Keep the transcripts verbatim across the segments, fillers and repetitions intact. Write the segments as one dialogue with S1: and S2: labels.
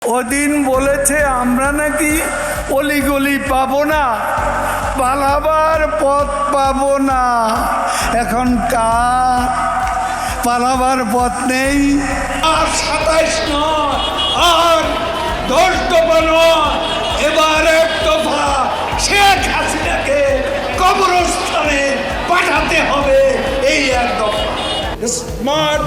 S1: ওদিন বলেছে আমরা নাকি অলিগলি পাবো না, পালাবার পথ পাবো না। এখন কার পালাবার পথ নেই? আর সাতাইশ নয়, আর দশ দফা নয়, এবার এক দফা শেখ হাসিনাকে কবরস্থানে পাঠাতে হবে। এই এক দফা স্মার্ট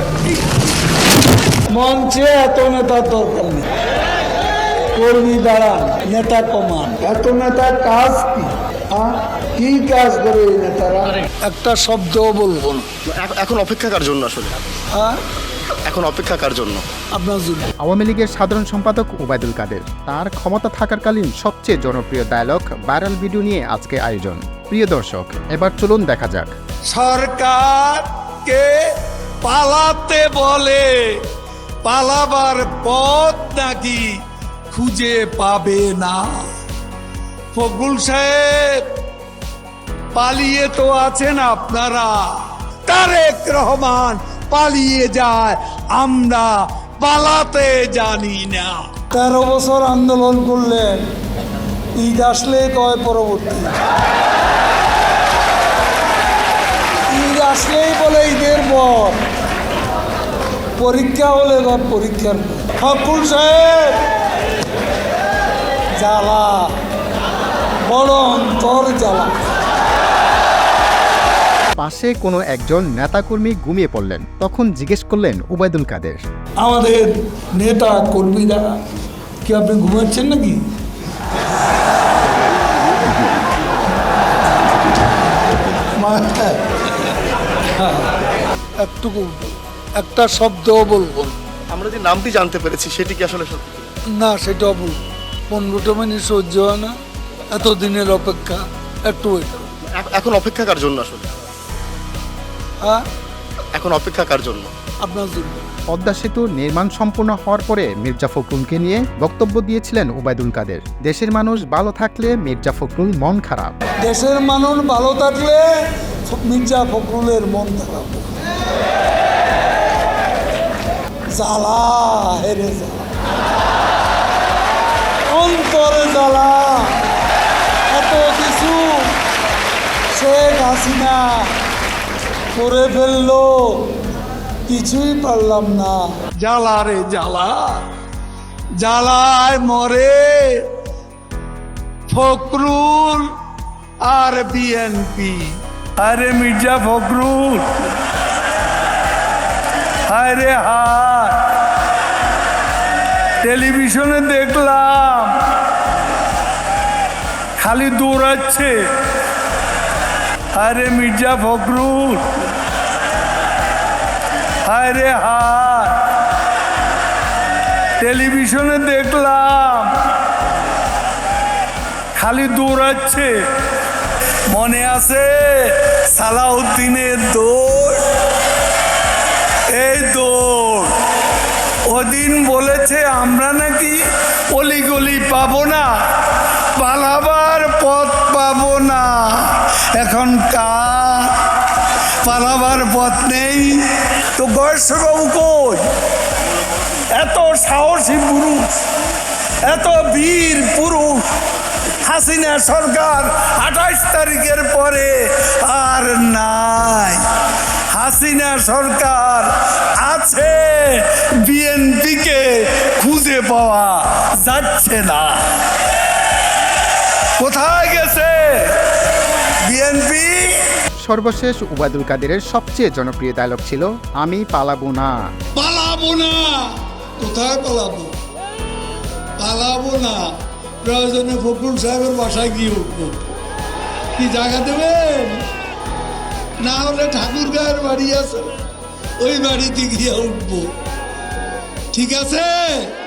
S1: মঞ্চে এত নেতার দরকার নেই, কর্মী দাঁড়ান, নেতা কমান। এত নেতার কাজ কি? কি কাজ করে এই নেতারা? একটা শব্দও বলবো না।
S2: এখন অপেক্ষা কার জন্য আসলে?
S1: হ্যাঁ,
S2: এখন অপেক্ষা কার জন্য?
S1: আপনার জন্য।
S3: আওয়ামী লীগের সাধারণ সম্পাদক ওবায়দুল কাদের তার ক্ষমতা থাকাকালীন সবচেয়ে জনপ্রিয় ডায়লগ ভাইরাল ভিডিও নিয়ে আজকে আয়োজন। প্রিয় দর্শক, এবার চলুন দেখা যাক।
S1: সরকারকে পালাতে বলে, পালাবার পথ নাকি খুঁজে পাবে না। ফখরুল সাহেব পালিয়ে তো আছেন আপনারা, তারেক রহমান পালিয়ে যায়, আমরা পালাতে জানি না। তেরো বছর আন্দোলন করলেন, ঈদ আসলে কয় পরবর্তী, ঈদ আসলেই বলে ঈদের পর, পরীক্ষা হলে পরীক্ষার পর। ফখরুল সাহেব জ্বালা, বড় অন্তর জ্বালা।
S3: পাশে কোনো একজন নেতাকর্মী ঘুমিয়ে পড়লেন, তখন জিজ্ঞেস করলেন ওবায়দুল কাদের,
S1: আমাদের নেতা কর্মীরা কি আপনি ঘুমাচ্ছেন নাকি? একটুকু একটা শব্দও বলবো না।
S2: আমরা যে নামটি জানতে পেরেছি সেটি কি আসলে সত্যি?
S1: না, সেটাও বলবো। পনেরোটা মিনিট সহ্য হয় না, এত দিনের অপেক্ষা, একটু ওয়েট।
S2: এ- এখন অপেক্ষা কার জন্য আসলে?
S1: হ্যাঁ,
S2: এখন অপেক্ষা কার জন্য?
S1: আপনার জন্য।
S3: পদ্মা সেতু নির্মাণ সম্পূর্ণ হওয়ার পরে মির্জা ফখরুলকে নিয়ে বক্তব্য দিয়েছিলেন ওবায়দুল কাদের। দেশের মানুষ ভালো থাকলে মির্জা ফখরুল মন খারাপ।
S1: দেশের মানুষ ভালো থাকলে মির্জা ফখরুলের মন খারাপ। জ্বালা, হেরে জ্বালা, অন্তরে জ্বালা। এত কিছু শেখ হাসিনা করে ফেললো, কিছুই পারলাম না। জ্বালা রে জ্বালা, জ্বালায় মরে ফখরুল আর বিএনপি। আরে মির্জা ফখরুল, আরে হায়, টেলিভিশনে দেখলাম খালি দৌড়াচ্ছে। আরে মির্জা ফখরুল, আরে হায়, টেলিভিশনে দেখলাম খালি দৌড়াচ্ছে। মনে আছে সালাউদ্দিনের দৌড়? এই দৌড় ওদিন বলেছে আমরা নাকি অলিগলি পাবো না, পালাবার পথ পাবো না। এখন কার পালাবার পথ নেই? তো গয়েশ্বরবাবু কই? এত সাহসী পুরুষ, এত বীর পুরুষ হাসিনা সরকার আঠাইশ তারিখের পরে আর নাই। হাসিনা সরকার আছে, বিএনপিকে খুঁজে পাওয়া যাচ্ছে না। কোথায় গেছে বিএনপি?
S3: সর্বশেষ ওবায়দুল কাদেরের সবচেয়ে জনপ্রিয় ডায়লগ ছিল আমি পালাবো না।
S1: পালাবো না। কোথায় পালাবো? পালাবো না। প্রয়োজনে ফখরুল সাহেবের বাসায় গিয়ে উঠবো। কি জায়গা দেবেন? না হলে ঠাকুর গায়ের বাড়ি আছে, ওই বাড়িতে গিয়ে উঠবো। ঠিক আছে?